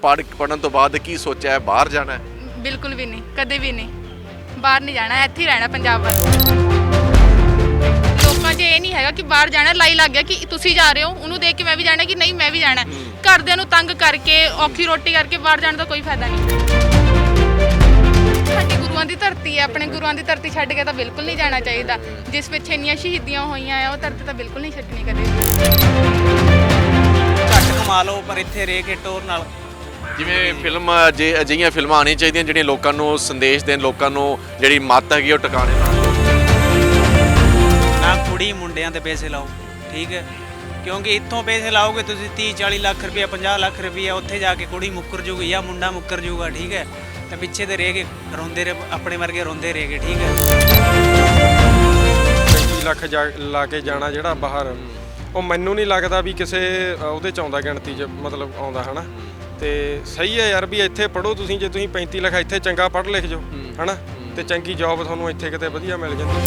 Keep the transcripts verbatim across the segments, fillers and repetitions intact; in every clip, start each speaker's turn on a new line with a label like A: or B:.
A: ਪੜ੍ਹ ਪੜ੍ਹਨ ਤੋਂ ਬਾਅਦ ਕੀ ਸੋਚਿਆ ਹੈ, ਬਾਹਰ ਜਾਣਾ ਹੈ?
B: ਬਿਲਕੁਲ ਵੀ ਨਹੀਂ, ਕਦੇ ਵੀ ਨਹੀਂ। ਬਾਹਰ ਨਹੀਂ ਜਾਣਾ, ਇੱਥੇ ਹੀ ਰਹਿਣਾ ਪੰਜਾਬ ਵੱਲ। ਲੋਕਾਂ 'ਚ ਇਹ ਨਹੀਂ ਹੈਗਾ ਕਿ ਬਾਹਰ ਜਾਣਾ, ਲਾਈ ਲੱਗ ਗਿਆ ਕਿ ਤੁਸੀਂ ਜਾ ਰਹੇ ਹੋ, ਉਹਨੂੰ ਦੇਖ ਕੇ ਮੈਂ ਵੀ ਜਾਣਾ ਕਿ ਨਹੀਂ ਮੈਂ ਵੀ ਜਾਣਾ। ਘਰਦਿਆਂ ਨੂੰ ਤੰਗ ਕਰਕੇ ਔਖੀ ਰੋਟੀ ਕਰਕੇ ਬਾਹਰ ਜਾਣ ਦਾ ਕੋਈ ਫਾਇਦਾ ਨਹੀਂ। ਸਾਡੀ ਗੁਰੂਆਂ ਦੀ ਧਰਤੀ ਹੈ, ਆਪਣੇ ਗੁਰੂਆਂ ਦੀ ਧਰਤੀ ਛੱਡ ਕੇ ਤਾਂ ਬਿਲਕੁਲ ਨਹੀਂ ਜਾਣਾ ਚਾਹੀਦਾ। ਜਿਸ ਵਿੱਚ ਇੰਨੀਆਂ ਸ਼ਹੀਦੀਆਂ ਹੋਈਆਂ ਆ, ਉਹ ਧਰਤੀ ਤਾਂ ਬਿਲਕੁਲ ਨਹੀਂ ਛੱਡਣੀ ਕਦੇ।
C: ਘੱਟ ਕਮਾ ਲਓ ਪਰ ਇੱਥੇ ਰਹਿ ਕੇ ਟੋਰ ਨਾਲ।
A: ਜਿਵੇਂ ਫਿਲਮ ਜੇ ਅਜਿਹੀਆਂ ਫਿਲਮਾਂ ਆਉਣੀਆਂ ਚਾਹੀਦੀਆਂ ਜਿਹੜੀਆਂ ਲੋਕਾਂ ਨੂੰ ਸੰਦੇਸ਼ ਦੇਣ, ਲੋਕਾਂ ਨੂੰ ਜਿਹੜੀ ਮੱਤ ਹੈਗੀ ਉਹ ਟਿਕਾਣੇ ਲਾਉਣ।
C: ਨਾ ਕੁੜੀ ਮੁੰਡਿਆਂ ਤੇ ਪੈਸੇ ਲਾਓ, ਠੀਕ ਹੈ, ਕਿਉਂਕਿ ਇੱਥੋਂ ਪੈਸੇ ਲਾਓਗੇ ਤੁਸੀਂ ਤੀਹ ਚਾਲੀ ਲੱਖ ਰੁਪਇਆ ਪੰਜਾਹ ਲੱਖ ਰੁਪਇਆ, ਉੱਥੇ ਜਾ ਕੇ ਕੁੜੀ ਮੁੱਕਰ ਜੂਗੀ ਜਾਂ ਮੁੰਡਾ ਮੁੱਕਰ ਜੂਗਾ, ਠੀਕ ਹੈ। ਤਾਂ ਪਿੱਛੇ ਤੇ ਰਹਿ ਕੇ ਰੋਂਦੇ ਰਹੇ, ਆਪਣੇ ਵਰਗੇ ਰੋਂਦੇ ਰਹਿ ਗਏ, ਠੀਕ ਹੈ।
D: ਪੈਂਤੀ ਲੱਖ ਜਾ ਲਾ ਕੇ ਜਾਣਾ ਜਿਹੜਾ ਬਾਹਰ, ਉਹ ਮੈਨੂੰ ਨਹੀਂ ਲੱਗਦਾ ਵੀ ਕਿਸੇ ਉਹਦੇ 'ਚ ਆਉਂਦਾ, ਗਿਣਤੀ 'ਚ ਮਤਲਬ ਆਉਂਦਾ, ਹੈ ਨਾ। ਤੇ ਸਹੀ ਹੈ ਯਾਰ ਵੀ ਇੱਥੇ ਪੜ੍ਹੋ ਤੁਸੀਂ, ਜੇ ਤੁਸੀਂ ਪੈਂਤੀ ਲੱਖ ਇੱਥੇ ਚੰਗਾ ਪੜ੍ਹ ਲਿਖ ਜਾਓ, ਹੈ ਨਾ, ਤੇ ਚੰਗੀ ਜੌਬ ਤੁਹਾਨੂੰ ਇੱਥੇ ਕਿਤੇ ਵਧੀਆ ਮਿਲ ਜਾਂਦੀ।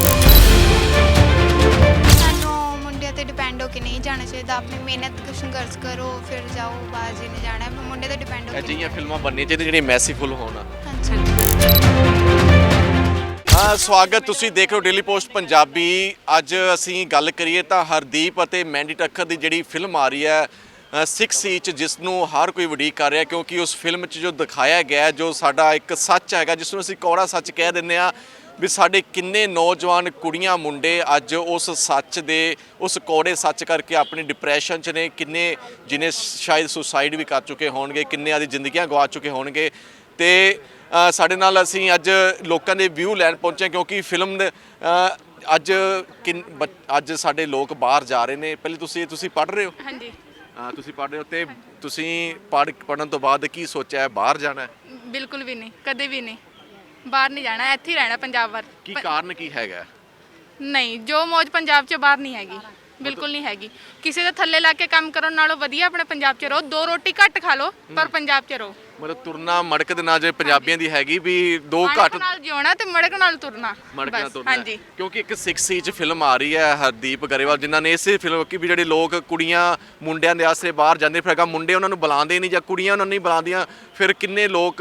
E: ਸਾਨੂੰ ਮੁੰਡਿਆਂ ਤੇ ਡਿਪੈਂਡ ਹੋ ਕੇ ਨਹੀਂ ਜਾਣਾ ਚਾਹੀਦਾ। ਆਪਣੀ ਮਿਹਨਤ ਸੰਘਰਸ਼ ਕਰੋ ਫਿਰ ਜਾਓ, ਬਾਹਰ ਜੀ ਨੇ ਜਾਣਾ ਮੁੰਡੇ ਤੇ ਡਿਪੈਂਡ ਹੋ ਕੇ।
A: ਅਜਿਹੀਆਂ ਫਿਲਮਾਂ ਬਣਨੀਆਂ ਚਾਹੀਦੀਆਂ ਜਿਹੜੀਆਂ ਮੈਸੀਫੁਲ ਹੋਣ।
E: ਹਾਂਜੀ।
A: ਹਾਂ, ਸਵਾਗਤ, ਤੁਸੀਂ ਦੇਖ ਰਹੇ ਹੋ ਡੇਲੀ ਪੋਸਟ ਪੰਜਾਬੀ। ਅੱਜ ਅਸੀਂ ਗੱਲ ਕਰੀਏ ਤਾਂ ਹਰਦੀਪ ਅਤੇ ਮੈਂਡੀ ਠੱਕਰ ਦੀ ਜਿਹੜੀ ਫਿਲਮ ਆ ਰਹੀ ਹੈ ਸਿਕਸ ਇੰਚ, ਜਿਸ ਨੂੰ ਹਰ ਕੋਈ ਉਡੀਕ ਕਰ ਰਿਹਾ, ਕਿਉਂਕਿ ਉਸ ਫਿਲਮ 'ਚ ਜੋ ਦਿਖਾਇਆ ਗਿਆ, ਜੋ ਸਾਡਾ ਇੱਕ ਸੱਚ ਹੈਗਾ, ਜਿਸ ਨੂੰ ਅਸੀਂ ਕੌੜਾ ਸੱਚ ਕਹਿ ਦਿੰਦੇ ਹਾਂ, ਵੀ ਸਾਡੇ ਕਿੰਨੇ ਨੌਜਵਾਨ ਕੁੜੀਆਂ ਮੁੰਡੇ ਅੱਜ ਉਸ ਸੱਚ ਦੇ, ਉਸ ਕੌੜੇ ਸੱਚ ਕਰਕੇ ਆਪਣੀ ਡਿਪਰੈਸ਼ਨ 'ਚ ਨੇ, ਕਿੰਨੇ ਜਿਹਨੇ ਸ਼ਾਇਦ ਸੁਸਾਈਡ ਵੀ ਕਰ ਚੁੱਕੇ ਹੋਣਗੇ, ਕਿੰਨਿਆਂ ਦੀ ਜ਼ਿੰਦਗੀਆਂ ਗਵਾ ਚੁੱਕੇ ਹੋਣਗੇ। ਤੇ ਸਾਡੇ ਨਾਲ ਅਸੀਂ ਅੱਜ ਲੋਕਾਂ ਦੇ ਵਿਊ ਲੈਣ ਪਹੁੰਚੇ, ਕਿਉਂਕਿ ਫਿਲਮ ਅੱਜ ਕਿਨ ਅੱਜ ਸਾਡੇ ਲੋਕ ਬਾਹਰ ਜਾ ਰਹੇ ਨੇ। ਪਹਿਲੇ ਤੁਸੀਂ ਤੁਸੀਂ ਪੜ੍ਹ ਰਹੇ ਹੋ?
B: ਹਾਂਜੀ।
A: ਹਾਂ, ਤੁਸੀਂ ਪੜ੍ਹ ਰਹੇ ਹੋ, ਤੇ ਤੁਸੀਂ ਪੜ੍ਹ ਪੜ੍ਹਨ ਤੋਂ ਬਾਅਦ ਕੀ ਸੋਚਿਆ ਹੈ, ਬਾਹਰ ਜਾਣਾ ਹੈ?
B: ਬਿਲਕੁਲ ਵੀ ਨਹੀਂ, ਕਦੇ ਵੀ ਨਹੀਂ। ਬਾਹਰ ਨਹੀਂ ਜਾਣਾ, ਇੱਥੇ ਹੀ ਰਹਿਣਾ ਪੰਜਾਬ ਵੱਲ।
A: ਕੀ ਕਾਰਨ ਕੀ ਹੈਗਾ?
B: ਨਹੀਂ, ਜੋ ਮੌਜ ਪੰਜਾਬ 'ਚ ਬਾਹਰ ਨਹੀਂ ਹੈਗੀ, ਬਿਲਕੁਲ ਨਹੀਂ ਹੈਗੀ। ਕਿਸੇ ਦੇ ਥੱਲੇ ਲਾ ਕੇ ਕੰਮ ਕਰਨ ਨਾਲੋਂ ਵਧੀਆ ਆਪਣੇ ਪੰਜਾਬ 'ਚ ਰਹੋ। ਦੋ ਰੋਟੀ ਘੱਟ ਖਾ ਲਓ ਪਰ ਪੰਜਾਬ 'ਚ ਰਹੋ।
A: ਮਤਲਬ ਤੁਰਨਾ ਮੜਕ ਦੇ ਨਾਲ, ਜੇ ਪੰਜਾਬੀਆਂ ਦੀ ਹੈਗੀ ਵੀ ਦੋ ਘੱਟ
B: ਮੜਕ ਨਾਲ ਜਿਉਣਾ ਤੇ ਮੜਕ ਨਾਲ ਤੁਰਨਾ,
A: ਮੜਕ ਨਾਲ
B: ਬਸ।
A: ਤੁਰਨਾ।
B: ਹਾਂਜੀ,
A: ਕਿਉਂਕਿ ਇੱਕ ਸਿਕਸ ਇੰਚ ਫਿਲਮ ਆ ਰਹੀ ਹੈ ਹਰਦੀਪ ਗਰੇਵਾਲ, ਜਿਨ੍ਹਾਂ ਨੇ ਇਸੇ ਫਿਲਮ ਕਿ ਵੀ ਜਿਹੜੇ ਲੋਕ ਕੁੜੀਆਂ ਮੁੰਡਿਆਂ ਦੇ ਆਸਰੇ ਬਾਹਰ ਜਾਂਦੇ, ਫਿਰ ਅਗਾ ਮੁੰਡੇ ਉਹਨਾਂ ਨੂੰ ਬੁਲਾਉਂਦੇ ਨਹੀਂ ਜਾਂ ਕੁੜੀਆਂ ਉਹਨਾਂ ਨੂੰ ਨਹੀਂ ਬੁਲਾਉਂਦੀਆਂ, ਫਿਰ ਕਿੰਨੇ ਲੋਕ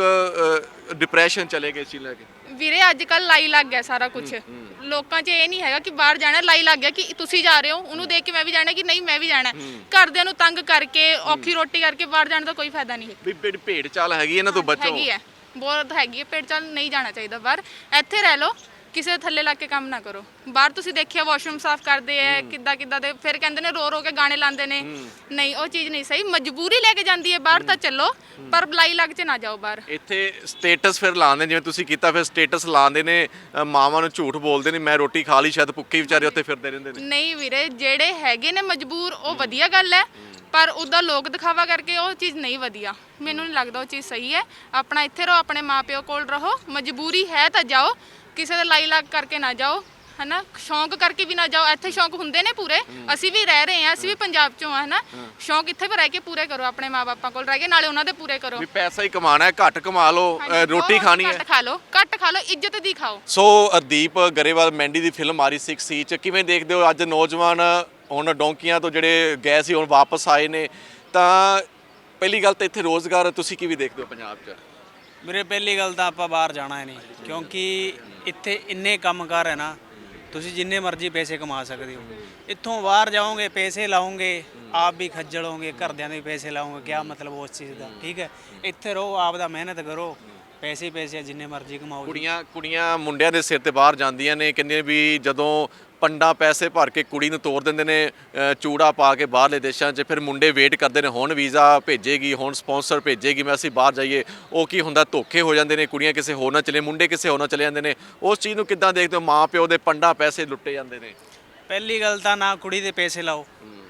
A: ਡਿਪਰੈਸ਼ਨ ਚਲੇ ਗਏ ਸੀ ਲੈ ਕੇ।
B: ਵੀਰੇ ਅੱਜ ਕੱਲ ਲਾਈ ਲੱਗ ਗਿਆ ਸਾਰਾ ਕੁਝ। ਲੋਕਾਂ 'ਚ ਇਹ ਨਹੀਂ ਹੈਗਾ ਕਿ ਬਾਹਰ ਜਾਣਾ, ਲਾਈ ਲੱਗ ਗਿਆ ਕਿ ਤੁਸੀਂ ਜਾ ਰਹੇ ਹੋ, ਉਹਨੂੰ ਦੇਖ ਕੇ ਮੈਂ ਵੀ ਜਾਣਾ ਕਿ ਨਹੀਂ ਮੈਂ ਵੀ ਜਾਣਾ। ਘਰਦਿਆਂ ਨੂੰ ਤੰਗ ਕਰਕੇ ਔਖੀ ਰੋਟੀ ਕਰਕੇ ਬਾਹਰ ਜਾਣ ਦਾ ਕੋਈ ਫਾਇਦਾ ਨਹੀਂ।
A: ਵੀ ਜਿਹੜੀ ਭੇਡ ਚਾਲ ਹੈਗੀ ਇਹਨਾਂ ਤੋਂ ਬਚੋ।
B: ਹੈਗੀ ਹੈ, ਬਹੁਤ ਹੈਗੀ ਹੈ ਭੇਡ ਚਾਲ, ਨਹੀਂ ਜਾਣਾ ਚਾਹੀਦਾ ਬਾਹਰ। ਇੱਥੇ ਰਹਿ ਲਓ, ਕਿਸੇ ਦੇ ਥੱਲੇ ਲੱਗ ਕੇ ਕੰਮ ਨਾ ਕਰੋ। ਬਾਹਰ ਤੁਸੀਂ ਦੇਖਿਆ ਵਾਸ਼ਰੂਮ ਸਾਫ਼ ਕਰਦੇ ਆ ਕਿੱਦਾਂ ਕਿੱਦਾਂ ਦੇ, ਫਿਰ ਕਹਿੰਦੇ ਨੇ ਰੋ ਰੋ ਕੇ ਗਾਣੇ ਲਾਉਂਦੇ ਨੇ। ਨਹੀਂ, ਉਹ ਚੀਜ਼ ਨਹੀਂ ਸਹੀ। ਮਜਬੂਰੀ ਲੈ ਕੇ ਜਾਂਦੀ ਹੈ ਬਾਹਰ ਤਾਂ ਚੱਲੋ, ਪਰ ਲਾਈ ਲੱਗ 'ਚ ਨਾ ਜਾਓ ਬਾਹਰ।
A: ਇੱਥੇ ਸਟੇਟਸ ਫਿਰ ਲਾਉਂਦੇ, ਜਿਵੇਂ ਤੁਸੀਂ ਕੀਤਾ, ਫਿਰ ਸਟੇਟਸ ਲਾਉਂਦੇ ਨੇ, ਮਾਵਾਂ ਨੂੰ ਝੂਠ ਬੋਲਦੇ ਨੇ, ਮੈਂ ਰੋਟੀ ਖਾ ਲਈ, ਸ਼ਾਇਦ ਭੁੱਖੇ ਵਿਚਾਰੇ ਉੱਥੇ ਫਿਰਦੇ ਰਹਿੰਦੇ ਨੇ।
B: ਨਹੀਂ ਵੀਰੇ, ਜਿਹੜੇ ਹੈਗੇ ਨੇ ਮਜਬੂਰ, ਉਹ ਵਧੀਆ ਗੱਲ ਹੈ, ਪਰ ਉਹਦਾ ਲੋਕ ਦਿਖਾਵਾ ਕਰਕੇ ਉਹ ਚੀਜ਼ ਨਹੀਂ ਵਧੀਆ। ਮੈਨੂੰ ਨਹੀਂ ਲੱਗਦਾ ਉਹ ਚੀਜ਼ ਸਹੀ ਹੈ। ਆਪਣਾ ਇੱਥੇ ਰਹੋ, ਆਪਣੇ ਮਾਪਿਓ ਕੋਲ ਰਹੋ। ਮਜਬੂਰੀ ਹੈ ਤਾਂ ਜਾਓ, ਕਿਸੇ ਦੇ ਲਾਈ ਲੱਗ ਕਰਕੇ ਨਾ ਜਾਓ, ਹੈ ਨਾ। ਸ਼ੌਂਕ ਕਰਕੇ ਵੀ ਨਾ ਜਾਓ। ਇੱਥੇ ਸ਼ੌਂਕ ਹੁੰਦੇ ਨੇ ਪੂਰੇ, ਅਸੀਂ ਵੀ ਰਹਿ ਰਹੇ ਹਾਂ, ਅਸੀਂ ਵੀ ਪੰਜਾਬ 'ਚੋਂ ਆ, ਹੈ ਨਾ। ਸ਼ੌਂਕ ਇੱਥੇ ਵੀ ਰਹਿ ਕੇ ਪੂਰੇ ਕਰੋ, ਆਪਣੇ ਮਾਪਿਆਂ ਕੋਲ ਰਹਿ ਕੇ, ਨਾਲੇ ਉਹਨਾਂ ਦੇ ਪੂਰੇ ਕਰੋ।
A: ਵੀ ਪੈਸਾ ਹੀ ਕਮਾਉਣਾ ਹੈ, ਘੱਟ ਕਮਾ ਲਓ, ਰੋਟੀ ਖਾਣੀ ਹੈ,
B: ਘੱਟ ਖਾ ਲਓ, ਘੱਟ ਖਾ ਲਓ, ਇੱਜ਼ਤ ਦੀ ਖਾਓ।
A: ਸੋ ਹਰਦੀਪ ਗਰੇਵਾਲ ਮੈਂਡੀ ਦੀ ਫਿਲਮ ਆ ਰਹੀ ਸਿਕਸ ਇੰਚ, ਕਿਵੇਂ ਦੇਖਦੇ ਹੋ? ਅੱਜ ਨੌਜਵਾਨ ਹੁਣ ਡੌਂਕੀਆਂ ਤੋਂ ਜਿਹੜੇ ਗਏ ਸੀ ਹੁਣ ਵਾਪਸ ਆਏ ਨੇ, ਤਾਂ ਪਹਿਲੀ ਗੱਲ ਤਾਂ ਇੱਥੇ ਰੋਜ਼ਗਾਰ ਤੁਸੀਂ ਕਿਵੇਂ ਦੇਖਦੇ ਹੋ ਪੰਜਾਬ 'ਚ?
C: ਮੇਰੇ ਪਹਿਲੀ ਗੱਲ ਤਾਂ ਆਪਾਂ ਬਾਹਰ ਜਾਣਾ ਹੈ ਨਹੀਂ, ਕਿਉਂਕਿ ਇੱਥੇ ਇੰਨੇ ਕੰਮਕਾਰ ਹੈ ਨਾ, ਤੁਸੀਂ ਜਿੰਨੇ ਮਰਜ਼ੀ ਪੈਸੇ ਕਮਾ ਸਕਦੇ ਹੋ। ਇੱਥੋਂ ਬਾਹਰ ਜਾਓਗੇ, ਪੈਸੇ ਲਾਓਗੇ, ਆਪ ਵੀ ਖੱਜਲ ਹੋਗੇ, ਘਰਦਿਆਂ ਦੇ ਵੀ ਪੈਸੇ ਲਾਓਗੇ, ਕਿਆ ਮਤਲਬ ਉਸ ਚੀਜ਼ ਦਾ, ਠੀਕ ਹੈ। ਇੱਥੇ ਰਹੋ, ਆਪ ਦਾ ਮਿਹਨਤ ਕਰੋ, ਪੈਸੇ ਪੈਸੇ ਜਿੰਨੇ ਮਰਜ਼ੀ ਕਮਾਓ।
A: ਕੁੜੀਆਂ ਕੁੜੀਆਂ ਮੁੰਡਿਆਂ ਦੇ ਸਿਰ ਤੇ ਬਾਹਰ ਜਾਂਦੀਆਂ ਨੇ, ਕਹਿੰਦੇ ਵੀ ਜਦੋਂ ਪੰਡਾ ਪੈਸੇ ਭਰ ਕੇ ਕੁੜੀ ਨੂੰ ਤੋਰ ਦਿੰਦੇ ਨੇ ਚੂੜਾ ਪਾ ਕੇ ਬਾਹਰਲੇ ਦੇਸ਼ਾਂ 'ਚ, ਫਿਰ ਮੁੰਡੇ ਵੇਟ ਕਰਦੇ ਨੇ ਹੁਣ ਵੀਜ਼ਾ ਭੇਜੇਗੀ, ਹੁਣ ਸਪਾਂਸਰ ਭੇਜੇਗੀ, ਮੈਂ ਅਸੀਂ ਬਾਹਰ ਜਾਈਏ। ਉਹ ਕੀ ਹੁੰਦਾ, ਧੋਖੇ ਹੋ ਜਾਂਦੇ ਨੇ, ਕੁੜੀਆਂ ਕਿਸੇ ਹੋਰ ਨਾਲ ਚਲੇ, ਮੁੰਡੇ ਕਿਸੇ ਹੋਰ ਨਾਲ ਚਲੇ ਜਾਂਦੇ ਨੇ। ਉਸ ਚੀਜ਼ ਨੂੰ ਕਿੱਦਾਂ ਦੇਖਦੇ ਹੋ? ਮਾਂ ਪਿਓ ਦੇ ਪੰਡਾ ਪੈਸੇ ਲੁੱਟੇ ਜਾਂਦੇ ਨੇ।
C: ਪਹਿਲੀ ਗੱਲ ਤਾਂ ਨਾ ਕੁੜੀ ਦੇ ਪੈਸੇ ਲਾਓ,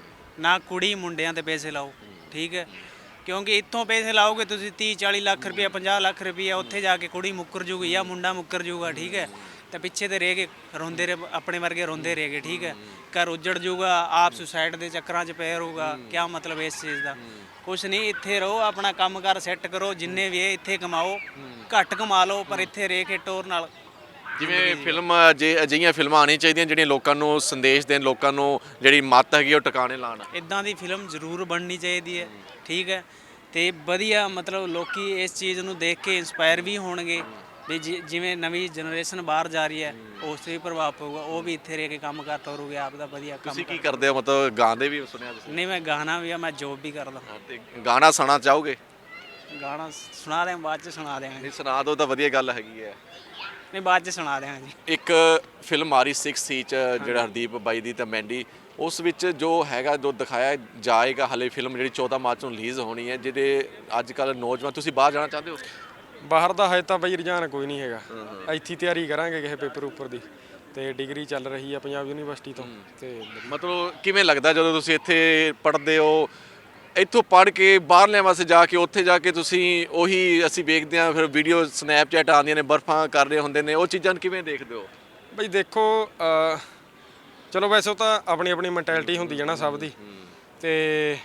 C: ਨਾ ਕੁੜੀ ਮੁੰਡਿਆਂ ਦੇ ਪੈਸੇ ਲਾਓ, ਠੀਕ ਹੈ, ਕਿਉਂਕਿ ਇੱਥੋਂ ਪੈਸੇ ਲਾਓਗੇ ਤੁਸੀਂ ਤੀਹ ਚਾਲੀ ਲੱਖ ਰੁਪਇਆ ਪੰਜਾਹ ਲੱਖ ਰੁਪਇਆ, ਉੱਥੇ ਜਾ ਕੇ ਕੁੜੀ ਮੁੱਕਰ ਜੂਗੀ ਜਾਂ ਮੁੰਡਾ ਮੁੱਕਰ ਜੂਗਾ, ਠੀਕ ਹੈ। ਤਾਂ ਪਿੱਛੇ ਤੇ ਰਹਿ ਕੇ ਰੋਂਦੇ ਰਹੇ, ਆਪਣੇ ਵਰਗੇ ਰੋਂਦੇ ਰਹਿ ਗਏ, ਠੀਕ ਹੈ। ਘਰ ਉੱਜੜ ਜੂਗਾ, ਆਪ ਸੁਸਾਈਡ ਦੇ ਚੱਕਰਾਂ 'ਚ ਪੈ ਰਹੂਗਾ, ਕਿਆ ਮਤਲਬ ਇਸ ਚੀਜ਼ ਦਾ? ਕੁਛ ਨਹੀਂ, ਇੱਥੇ ਰਹੋ, ਆਪਣਾ ਕੰਮਕਾਰ ਸੈੱਟ ਕਰੋ, ਜਿੰਨੇ ਵੀ ਹੈ ਇੱਥੇ ਕਮਾਓ, ਘੱਟ ਕਮਾ ਲਓ ਪਰ ਇੱਥੇ ਰਹਿ ਕੇ ਟੋਰ ਨਾਲ।
A: ਜਿਵੇਂ ਫਿਲਮ ਜੇ ਅਜਿਹੀਆਂ ਫਿਲਮਾਂ ਆਉਣੀਆਂ ਚਾਹੀਦੀਆਂ ਜਿਹੜੀਆਂ ਲੋਕਾਂ ਨੂੰ ਸੰਦੇਸ਼ ਦੇਣ, ਲੋਕਾਂ ਨੂੰ ਜਿਹੜੀ ਮੱਤ ਹੈਗੀ ਉਹ ਟਿਕਾਣੇ ਲਾਉਣ।
C: ਇੱਦਾਂ ਦੀ ਫਿਲਮ ਜ਼ਰੂਰ ਬਣਨੀ ਚਾਹੀਦੀ ਹੈ, ਠੀਕ ਹੈ। ਤੇ ਵਧੀਆ ਮਤਲਬ ਲੋਕੀ ਇਸ ਚੀਜ਼ ਨੂੰ ਦੇਖ ਕੇ ਇਨਸਪਾਇਰ ਵੀ ਹੋਣਗੇ ਵੀ ਜਿ- ਜਿਵੇਂ ਨਵੀਂ ਜਨਰੇਸ਼ਨ ਬਾਹਰ ਜਾ ਰਹੀ ਹੈ ਉਸ 'ਤੇ ਵੀ ਪ੍ਰਭਾਵ ਪਊਗਾ, ਉਹ ਵੀ ਇੱਥੇ ਰਹਿ ਕੇ ਕੰਮ ਕਰ ਤੋਰੂਗੇ ਆਪ ਦਾ ਵਧੀਆ ਕੰਮ
A: ਤੁਸੀਂ ਕੀ
C: ਕਰ-
A: ਕਰਦੇ ਹੋ ਮਤਲਬ ਗਾਉਂਦੇ ਵੀ ਸੁਣਿਆ ਤੁਸੀਂ
C: ਨਹੀਂ ਮੈਂ ਗਾਣਾ ਵੀ ਆ, ਮੈਂ ਜੋਬ ਵੀ ਕਰਦਾ।
A: ਹਾਂ, ਤੇ ਗਾਣਾ ਸੁਣਾ ਚਾਹੋਗੇ?
C: ਗਾਣਾ ਸੁਣਾ ਦਿਆਂ ਬਾਅਦ 'ਚ ਸੁਣਾ ਦਿਆਂਗੇ।
A: ਨਹੀਂ ਸੁਣਾ ਦਿਓ ਤਾਂ ਵਧੀਆ ਗੱਲ ਹੈਗੀ ਹੈ।
C: ਨਹੀਂ ਬਾਅਦ 'ਚ ਸੁਣਾ ਦਿਆਂਗੇ ਜੀ।
A: ਇੱਕ ਫਿਲਮ ਆ ਰਹੀ ਸਿਕਸ ਸੀ ਚ ਜਿਹੜਾ ਹਰਦੀਪ ਬਾਈ ਦੀ ਤੇ ਮੈਂਡੀ, ਉਸ ਵਿੱਚ ਜੋ ਹੈਗਾ ਜੋ ਦਿਖਾਇਆ ਜਾਏਗਾ ਹਲੇ ਫਿਲਮ ਜਿਹੜੀ ਚੌਦਾਂ ਮਾਰਚ ਨੂੰ ਰਿਲੀਜ਼ ਹੋਣੀ ਹੈ, ਜਿਹੜੇ ਅੱਜ ਕੱਲ੍ਹ ਨੌਜਵਾਨ, ਤੁਸੀਂ ਬਾਹਰ ਜਾਣਾ ਚਾਹੁੰਦੇ ਹੋ?
D: ਬਾਹਰ ਦਾ ਹਜੇ ਤਾਂ ਬਈ ਰੁਝਾਨ ਕੋਈ ਨਹੀਂ ਹੈਗਾ, ਇੱਥੇ ਹੀ ਤਿਆਰੀ ਕਰਾਂਗੇ ਕਿਸੇ ਪੇਪਰ ਉੱਪਰ ਦੀ, ਤੇ ਡਿਗਰੀ ਚੱਲ ਰਹੀ ਆ ਪੰਜਾਬ ਯੂਨੀਵਰਸਿਟੀ ਤੋਂ। ਤੇ
A: ਮਤਲਬ ਕਿਵੇਂ ਲੱਗਦਾ ਜਦੋਂ ਤੁਸੀਂ ਇੱਥੇ ਪੜ੍ਹਦੇ ਹੋ, ਇੱਥੋਂ ਪੜ੍ਹ ਕੇ ਬਾਹਰਲਿਆਂ ਵਾਸਤੇ ਜਾ ਕੇ ਉੱਥੇ ਜਾ ਕੇ ਤੁਸੀਂ ਉਹੀ ਅਸੀਂ ਵੇਖਦੇ ਹਾਂ ਫਿਰ ਵੀਡੀਓ ਸਨੈਪਚੈਟ ਆਉਂਦੀਆਂ ਨੇ, ਬਰਫਾਂ ਕਰ ਰਹੇ ਹੁੰਦੇ ਨੇ, ਉਹ ਚੀਜ਼ਾਂ ਨੂੰ ਕਿਵੇਂ ਦੇਖਦੇ ਹੋ?
D: ਬਈ ਦੇਖੋ ਅਹ, ਚਲੋ ਵੈਸੇ ਉਹ ਤਾਂ ਆਪਣੀ ਆਪਣੀ ਮੈਂਟੈਲਿਟੀ ਹੁੰਦੀ ਹੈ ਨਾ ਸਭ ਦੀ, ਤੇ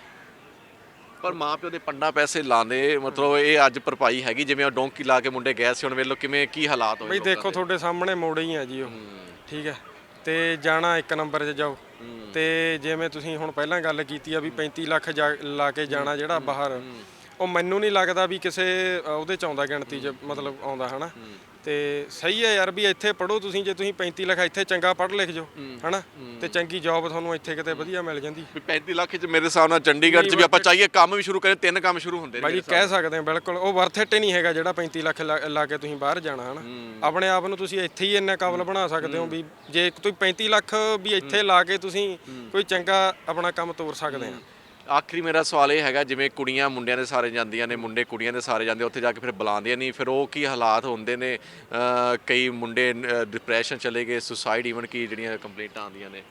A: ਪਰ ਮਾਂ ਪਿਓ ਦੇ ਪੰਡਾ ਪੈਸੇ ਲਾਉਂਦੇ, ਮਤਲਬ ਇਹ ਅੱਜ ਭਰਪਾਈ ਹੈਗੀ ਜਿਵੇਂ ਉਹ ਡੋਂਕੀ ਲਾ ਕੇ ਮੁੰਡੇ ਗਏ ਸੀ, ਹੁਣ ਵੇਖ ਲਓ ਕਿਵੇਂ ਕੀ ਹਾਲਾਤ ਹੋਏ
D: ਬਈ
A: ਲੋਕਾਂ
D: ਦੇਖੋ
A: ਦੇ।
D: ਤੁਹਾਡੇ ਸਾਹਮਣੇ ਮੋੜੇ ਹੀ ਆ ਜੀ ਉਹ, ਠੀਕ ਹੈ, ਤੇ ਜਾਣਾ ਇੱਕ ਨੰਬਰ 'ਚ ਜਾਓ, ਤੇ ਜਿਵੇਂ ਤੁਸੀਂ ਹੁਣ ਪਹਿਲਾਂ ਗੱਲ ਕੀਤੀ ਆ ਵੀ ਪੈਂਤੀ ਲੱਖ ਜਾ- ਲਾ ਕੇ ਜਾਣਾ ਜਿਹੜਾ ਬਾਹਰ, ਉਹ ਮੈਨੂੰ ਨਹੀਂ ਲੱਗਦਾ ਵੀ ਕਿਸੇ ਅ, ਉਹਦੇ 'ਚ ਆਉਂਦਾ ਗਿਣਤੀ 'ਚ ਮਤਲਬ ਆਉਂਦਾ ਹਨਾ। ਤੇ ਸਹੀ ਹੈ ਯਾਰ ਵੀ ਇੱਥੇ ਪੜੋ ਤੁਸੀਂ, ਜੇ ਤੁਸੀਂ ਪੈਂਤੀ ਲੱਖ ਇੱਥੇ ਚੰਗਾ ਪੜ੍ਹ ਲਿਖ ਜਾਓ ਹਨਾ, ਤੇ ਚੰਗੀ ਜੌਬ ਤੁਹਾਨੂੰ ਇੱਥੇ ਕਿਤੇ ਵਧੀਆ ਮਿਲ ਜਾਂਦੀ।
A: ਵੀ ਪੈਂਤੀ ਲੱਖ ਚ ਮੇਰੇ ਹਿਸਾਬ ਨਾਲ ਚੰਡੀਗੜ੍ਹ ਚ ਵੀ ਆਪਾਂ ਚਾਹੀਏ ਕੰਮ ਵੀ ਸ਼ੁਰੂ ਕਰੇ, ਤਿੰਨ ਕੰਮ ਸ਼ੁਰੂ ਹੁੰਦੇ ਨੇ
D: ਬਾਈ ਜੀ ਕਹਿ ਸਕਦੇ ਹਾਂ ਬਿਲਕੁਲ, ਉਹ ਵਰਥ ਇਟ ਹੀ ਨਹੀਂ ਹੈਗਾ ਜਿਹੜਾ ਪੈਂਤੀ ਲੱਖ ਲਾ ਲਾ ਕੇ ਤੁਸੀਂ ਬਾਹਰ ਜਾਣਾ ਹਨਾ। ਆਪਣੇ ਆਪ ਨੂੰ ਤੁਸੀਂ ਇੱਥੇ ਹੀ ਇੰਨਾ ਕਾਬਲ ਬਣਾ ਸਕਦੇ ਹੋ ਵੀ ਜੇ ਤੁਸੀਂ ਪੈਂਤੀ ਲੱਖ ਵੀ ਇੱਥੇ ਲਾ ਕੇ ਤੁਸੀਂ ਕੋਈ ਚੰਗਾ ਆਪਣਾ ਕੰਮ ਤੋਰ ਸਕਦੇ ਆ।
A: ਆਖਰੀ ਮੇਰਾ ਸਵਾਲ ਇਹ ਹੈਗਾ, ਜਿਵੇਂ ਕੁੜੀਆਂ ਮੁੰਡਿਆਂ ਦੇ ਸਾਰੇ ਜਾਂਦੀਆਂ ਨੇ, ਮੁੰਡੇ ਕੁੜੀਆਂ ਦੇ ਸਾਰੇ ਜਾਂਦੇ, ਉੱਥੇ ਜਾ ਕੇ ਫਿਰ ਬੁਲਾਉਂਦੀਆਂ ਨਹੀਂ, ਫਿਰ ਉਹ ਕੀ ਹਾਲਾਤ ਹੁੰਦੇ ਨੇ? ਅਹ ਕਈ ਮੁੰਡੇ ਡਿਪਰੈਸ਼ਨ ਚਲੇ ਗਏ, ਸੁਸਾਈਡ ਈਵਨ ਕੀ ਜਿਹੜੀਆਂ ਕੰਪਲੇਂਟਾਂ ਆਉਂਦੀਆਂ ਨੇ,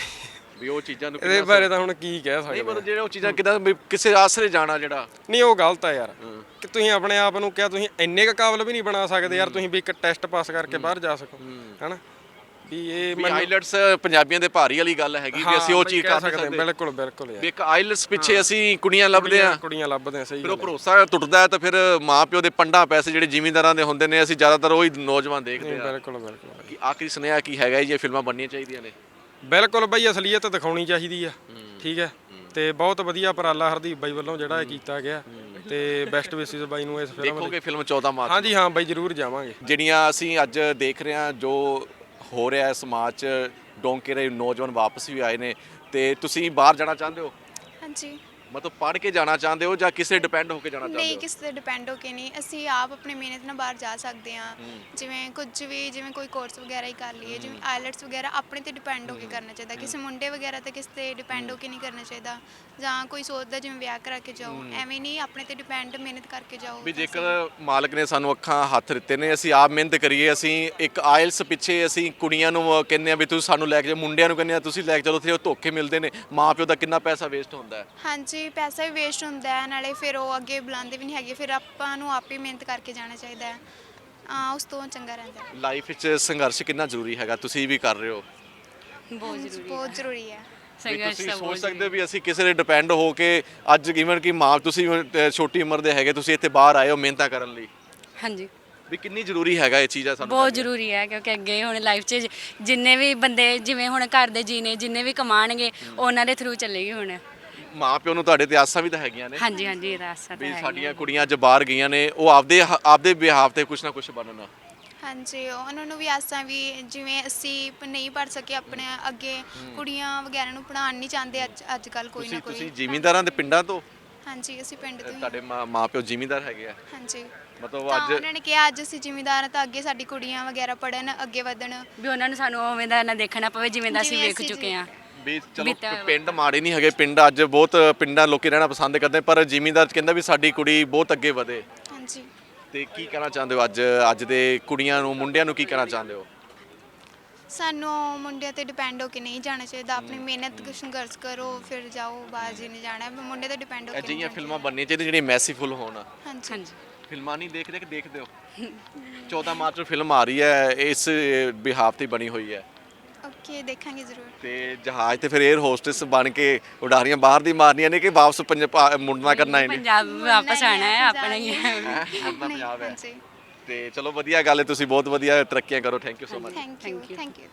A: ਵੀ ਉਹ ਚੀਜ਼ਾਂ ਨੂੰ
D: ਇਹਦੇ ਬਾਰੇ ਤਾਂ ਹੁਣ ਕੀ ਕਹਿ ਸਕਦੇ
A: ਨਹੀਂ, ਮਤਲਬ ਜਿਹੜੇ ਉਹ ਚੀਜ਼ਾਂ ਕਿਦਾਂ ਕਿਸੇ ਆਸਰੇ ਜਾਣਾ ਜਿਹੜਾ
D: ਨਹੀਂ, ਉਹ ਗਲਤ ਆ ਯਾਰ ਕਿ ਤੁਸੀਂ ਆਪਣੇ ਆਪ ਨੂੰ ਕਿਹਾ ਤੁਸੀਂ ਇੰਨੇ ਕੁ ਕਾਬਲ ਵੀ ਨਹੀਂ ਬਣਾ ਸਕਦੇ ਯਾਰ, ਤੁਸੀਂ ਵੀ ਇੱਕ ਟੈਸਟ ਪਾਸ ਕਰਕੇ ਬਾਹਰ ਜਾ ਸਕੋ ਹਨਾ। ਵੀ ਇਹ
A: ਵੀ ਆਈਲੈਟਸ ਪੰਜਾਬੀਆਂ ਦੇ ਭਾਰੀ ਵਾਲੀ ਗੱਲ ਹੈਗੀ ਵੀ ਅਸੀਂ ਉਹ ਚੀਜ਼ ਕਰ ਸਕਦੇ।
D: ਬਿਲਕੁਲ ਬਿਲਕੁਲ
A: ਵੀ
D: ਯਾਰ,
A: ਇੱਕ ਆਈਲੈਟਸ ਪਿੱਛੇ ਅਸੀਂ ਕੁੜੀਆਂ ਲੱਭਦੇ ਆ,
D: ਕੁੜੀਆਂ ਲੱਭਦੇ ਆ, ਸਹੀ
A: ਫਿਰ ਉਹ
D: ਗੱਲ ਹੈ।
A: ਭਰੋਸਾ ਟੁੱਟਦਾ ਹੈ ਤਾਂ ਫਿਰ ਮਾਂ ਪਿਓ ਦੇ ਪੰਡਾ ਪੈਸੇ ਜਿਹੜੇ ਜ਼ਿਮੀਂਦਾਰਾਂ ਦੇ ਹੁੰਦੇ ਨੇ, ਅਸੀਂ ਜ਼ਿਆਦਾਤਰ ਉਹੀ ਨੌਜਵਾਨ ਦੇਖਦੇ ਆ।
D: ਬਿਲਕੁਲ ਬਿਲਕੁਲ
A: ਕਿ ਆਖਰੀ ਸੁਨੇਹਾ ਕੀ ਹੈਗਾ ਜੀ, ਇਹ ਫਿਲਮਾਂ ਬਣਨੀਆਂ ਚਾਹੀਦੀਆਂ ਨੇ?
D: ਬਿਲਕੁਲ ਬਈ ਅਸਲੀਅਤ ਦਿਖਾਉਣੀ ਚਾਹੀਦੀ ਆ, ਠੀਕ ਹੈ, ਤੇ ਬਹੁਤ ਵਧੀਆ ਉਪਰਾਲਾ ਹਰਦੀਪ ਬਾਈ ਵੱਲੋਂ ਜਿਹੜਾ ਇਹ ਕੀਤਾ ਗਿਆ, ਤੇ ਬੈਸਟ ਵਿਸ਼ੇਸ ਬਾਈ ਨੂੰ ਇਸ ਫਿਲਮ
A: ਦੇਖੋਗੇ ਫਿਲਮ ਚੌਦਾਂ ਮਾਰਚ?
D: ਹਾਂਜੀ ਹਾਂ ਬਾਈ ਜ਼ਰੂਰ ਜਾਵਾਂਗੇ।
A: ਜਿਹੜੀਆਂ ਅਸੀਂ ਅੱਜ ਦੇਖ ਰਹੇ ਹਾਂ ਜੋ ਹੋ ਰਿਹਾ ਹੈ ਸਮਾਜ 'ਚ, ਡੋਂਕੇ ਦੇ ਨੌਜਵਾਨ ਵਾਪਸ ਵੀ ਆਏ ਨੇ, ਤੇ ਤੁਸੀਂ ਬਾਹਰ ਜਾਣਾ ਚਾਹੁੰਦੇ ਹੋ?
E: ਹਾਂਜੀ
A: ਮਤਲਬ ਪੜ੍ਹ ਕੇ ਜਾਣਾ ਚਾਹੁੰਦੇ ਹੋ ਜਾਂ ਕਿਸੇ ਡਿਪੈਂਡ ਹੋ ਕੇ ਜਾਣਾ ਚਾਹੁੰਦੇ
E: ਨਹੀਂ,
A: ਹੋ?
E: ਕਿਸੇ ਤੇ ਡਿਪੈਂਡ ਹੋ ਕੇ ਨਹੀਂ, ਅਸੀਂ ਆਪ ਆਪਣੀ ਮਿਹਨਤ ਨਾਲ ਬਾਹਰ ਜਾ ਸਕਦੇ ਹਾਂ। ਜਿਵੇਂ ਕੁਝ ਵੀ, ਜਿਵੇਂ ਕੋਈ ਕੋਰਸ ਵਗੈਰਾ ਹੀ ਕਰ ਲਈਏ, ਜਿਵੇਂ ਆਈਲੈਟਸ ਵਗੈਰਾ ਆਪਣੇ ਤੇ ਡਿਪੈਂਡ ਹੋ ਕੇ ਕਰਨਾ ਚਾਹੀਦਾ, ਕਿਸੇ ਮੁੰਡੇ ਵਗੈਰਾ ਤੇ ਕਿਸੇ ਤੇ ਡਿਪੈਂਡ ਹੋ ਕੇ ਨਹੀਂ ਕਰਨਾ ਚਾਹੀਦਾ। ਜਾਂ ਕੋਈ ਸੋਚਦਾ ਜਿਵੇਂ ਵਿਆਹ ਕਰਾ ਕੇ ਜਾਓ, ਐਵੇਂ ਨਹੀਂ, ਆਪਣੇ ਤੇ ਡਿਪੈਂਡ ਮਿਹਨਤ ਕਰਕੇ ਜਾਓ।
A: ਵੀ ਜੇਕਰ ਮਾਲਕ ਨੇ ਸਾਨੂੰ ਅੱਖਾਂ ਹੱਥ ਦਿੱਤੇ ਨੇ, ਅਸੀਂ ਆਪ ਮਿਹਨਤ ਕਰੀਏ, ਅਸੀਂ ਇੱਕ ਆਇਲਸ ਪਿੱਛੇ ਅਸੀਂ ਕੁੜੀਆਂ ਨੂੰ ਕਹਿੰਦੇ ਆ ਵੀ ਤੁਸੀਂ ਸਾਨੂੰ ਲੈ ਕੇ ਜਾਓ, ਮੁੰਡਿਆਂ ਨੂੰ ਕਹਿੰਦੇ ਆ ਤੁਸੀਂ ਲੈ ਕੇ ਚਲੋ, ਉੱਥੇ ਉਹ ਧੋਖੇ ਮਿਲਦੇ ਨੇ, ਮਾਂ ਪਿਓ ਦਾ ਕਿੰਨਾ ਪੈਸਾ ਵੇਸਟ ਹੁੰਦਾ ਹੈ।
E: ਹਾਂਜੀ, ਪੈਸਾ ਵੀ ਵੇਸਟ ਹੁੰਦਾ ਹੈ, ਨਾਲੇ ਫਿਰ ਉਹ ਅੱਗੇ ਬੁਲਾਉਂਦੇ ਵੀ ਨਹੀਂ ਹੈਗੇ, ਫਿਰ ਆਪਾਂ ਨੂੰ ਆਪ ਹੀ ਮਿਹਨਤ ਕਰਕੇ ਜਾਣਾ ਚਾਹੀਦਾ ਹੈ, ਆ ਉਸ ਤੋਂ ਚੰਗਾ ਰਹਿੰਦਾ ਹੈ।
A: ਲਾਈਫ ਵਿੱਚ ਸੰਘਰਸ਼ ਕਿੰਨਾ ਜ਼ਰੂਰੀ ਹੈਗਾ, ਤੁਸੀਂ ਵੀ ਕਰ ਰਹੇ ਹੋ?
F: ਬਹੁਤ ਜ਼ਰੂਰੀ ਹੈ
E: ਬਹੁਤ ਜ਼ਰੂਰੀ ਹੈ।
A: ਵੀ
F: ਸੰਘਰਸ਼
A: ਤੁਸੀਂ
F: ਤਾਂ
A: ਸੋਚ
F: ਬਹੁਤ
A: ਸਕਦੇ ਹੋ ਵੀ ਅਸੀਂ ਕਿਸੇ ਦੇ ਡਿਪੈਂਡ ਹੋ ਕੇ ਅੱਜ ਇਵਨ ਕਿ ਮਾਂ ਤੁਸੀਂ ਅਹ, ਛੋਟੀ ਉਮਰ ਦੇ ਹੈਗੇ, ਤੁਸੀਂ ਇੱਥੇ ਬਾਹਰ ਆਏ ਹੋ ਮਿਹਨਤਾਂ ਕਰਨ ਲਈ,
F: ਹਾਂਜੀ
A: ਵੀ ਕਿੰਨੀ ਜ਼ਰੂਰੀ ਹੈਗਾ ਇਹ ਚੀਜ਼ ਆ ਸਾਨੂੰ
F: ਬਹੁਤ
A: ਕਰਨੀ?
F: ਜ਼ਰੂਰੀ ਹੈ ਕਿਉਂਕਿ ਅੱਗੇ ਹੁਣ ਲਾਈਫ 'ਚ ਜਿੰਨੇ ਵੀ ਬੰਦੇ ਜਿਵੇਂ ਹੁਣ ਘਰ ਦੇ ਜੀਨੇ ਜਿੰਨੇ ਵੀ ਕਮਾਣਗੇ ਉਹਨਾਂ ਦੇ ਥਰੂ ਚੱਲੇਗੀ ਹੁਣ।
A: ਮਾਂ ਪਿਓ ਨੂੰ ਤੁਹਾਡੇ ਤੇ ਆਸਾਂ ਵੀ ਤਾਂ ਹੈਗੀਆਂ ਨੇ
F: ਹਾਂਜੀ ਹਾਂਜੀ ਇਹ ਰਾਸਤਾ ਤਾਂ
A: ਵੀ
F: ਹੈ
A: ਸਾਡੀਆਂ ਕੁੜੀਆਂ ਅੱਜ ਬਾਹਰ ਗਈਆਂ ਨੇ, ਉਹ ਆਪਦੇ ਆਪਦੇ ਬਿਹਾਫ ਤੇ ਕੁਛ ਨਾ ਕੁਛ ਬਣਨ।
E: ਹਾਂਜੀ, ਉਹਨਾਂ ਨੂੰ ਵੀ ਆਸਾਂ ਵੀ, ਜਿਵੇਂ ਅਸੀਂ ਪ- ਨਹੀਂ ਪੜ ਸਕੇ ਆਪਣੇ ਅੱਗੇ, ਕੁੜੀਆਂ ਵਗੈਰਾ ਨੂੰ ਪੜ੍ਹਾਉਣ ਨਹੀਂ ਚਾਹੁੰਦੇ ਅੱਜ ਅੱਜ ਕੱਲ ਕੋਈ ਨਾ
A: ਤੁਸੀਂ
E: ਕੋਈ।
A: ਤੁਸੀਂ ਜ਼ਿਮੀਂਦਾਰਾਂ ਦੇ ਪਿੰਡਾਂ ਤੋਂ?
E: ਹਾਂਜੀ, ਅਸੀਂ ਪਿੰਡ ਤੋਂ ਹੀ।
A: ਤੁਹਾਡੇ ਮਾਂ ਮਾਂ ਪਿਓ ਜ਼ਿਮੀਂਦਾਰ ਹੈਗੇ ਆ?
E: ਹਾਂਜੀ,
A: ਮਤਲਬ
E: ਤਾਂ
A: ਅੱਜ
E: ਉਹਨਾਂ ਨੇ ਕਿਹਾ ਅੱਜ ਅਸੀਂ ਜ਼ਿਮੀਂਦਾਰ ਹਾਂ ਤਾਂ ਅੱਗੇ ਸਾਡੀ ਕੁੜੀਆਂ ਵਗੈਰਾ ਪੜਨ, ਅੱਗੇ ਵਧਣ।
F: ਵੀ ਉਹਨਾਂ ਨੂੰ ਸਾਨੂੰ ਉਵੇਂ ਦਾ ਨਾ ਦੇਖਣਾ ਪਵੇ ਜਿਵੇਂ ਦਾ ਅਸੀਂ
E: ਜਿਵੇਂ
F: ਵੇਖ
E: ਅਸੀਂ
F: ਚੁੱਕੇ ਹਾਂ।
A: ਵੀ ਚਲੋ
F: ਬੀਤਾ ਹੋਇਆ
A: ਪਿੰਡ ਮਾੜੇ ਨਹੀਂ ਹੈਗੇ, ਪਿੰਡ ਅੱਜ ਬਹੁਤ ਪਿੰਡਾਂ ਲੋਕੀ ਰਹਿਣਾ ਪਸੰਦ ਕਰਦੇ, ਪਰ ਜ਼ਿਮੀਂਦਾਰ ਕਹਿੰਦਾ ਵੀ ਸਾਡੀ ਕੁੜੀ ਬਹੁਤ ਅੱਗੇ ਵਧੇ।
E: ਹਾਂਜੀ,
A: ਤੇ ਕੀ ਕਹਿਣਾ ਚਾਹੁੰਦੇ ਹੋ ਅੱਜ ਅੱਜ ਦੇ ਕੁੜੀਆਂ ਨੂੰ, ਮੁੰਡਿਆਂ ਨੂੰ ਕੀ ਕਹਿਣਾ ਚਾਹੁੰਦੇ ਹੋ?
E: ਸਾਨੂੰ ਮੁੰਡਿਆਂ ਤੇ ਡਿਪੈਂਡ ਹੋ ਕੇ ਨਹੀਂ ਜਾਣਾ ਚਾਹੀਦਾ, ਆਪਣੀ ਮਿਹਨਤ ਸੰਘਰਸ਼ ਕਰੋ ਫਿਰ ਜਾਓ, ਬਾਹਰ ਜੀ ਨਹੀਂ ਜਾਣਾ, ਮੁੰਡੇ ਤੇ ਡਿਪੈਂਡ ਹੋ ਕੇ ਨਹੀਂ
A: ਅਜਿਹੀਆਂ
E: ਜਾਣਾ
A: ਫਿਲਮਾਂ ਬਣਨੀਆਂ ਚਾਹੀਦੀਆਂ ਜਿਹੜੀਆਂ ਮੈਸੀਫੁਲ ਹੋਣ।
E: ਹਾਂਜੀ
F: ਹਾਂਜੀ
A: ਫਿਲਮਾਂ ਨਹੀਂ ਦੇਖਦੇ ਕਿ ਦੇਖਦੇ ਹੋ? ਚੌਦਾਂ ਮਾਰਚ ਨੂੰ ਫਿਲਮ ਆ ਰਹੀ ਹੈ, ਇਸ ਬਿਹਾਫ ਤੇ ਬਣੀ ਹੋਈ ਹੈ,
E: ਓਕੇ, ਦੇਖਾਂਗੇ ਜ਼ਰੂਰ।
A: ਤੇ ਜਹਾਜ਼ ਤੇ ਫਿਰ 에ਅਰ ਹੋਸਟਸ ਬਣ ਕੇ ਉਡਾਰੀਆਂ ਬਾਹਰ ਦੀ ਮਾਰਨੀਆਂ ਨੇ ਕਿ ਵਾਪਸ ਪੰਜਾਬ ਮੁੜਨਾ ਕਰਨਾ ਇਹਨੇ?
F: ਪੰਜਾਬ ਵਾਪਸ ਆਣਾ ਹੈ ਆਪਣਾ ਹੀ ਹੈ।
A: ਮੁੜਨਾ ਪੰਜਾਬ ਹੈ।
E: ਹਾਂਜੀ,
A: ਤੇ ਚਲੋ ਵਧੀਆ ਗੱਲ ਹੈ, ਤੁਸੀਂ ਬਹੁਤ ਵਧੀਆ ਤਰੱਕੀਆਂ ਕਰੋ। Thank you so much.
E: Thank you thank you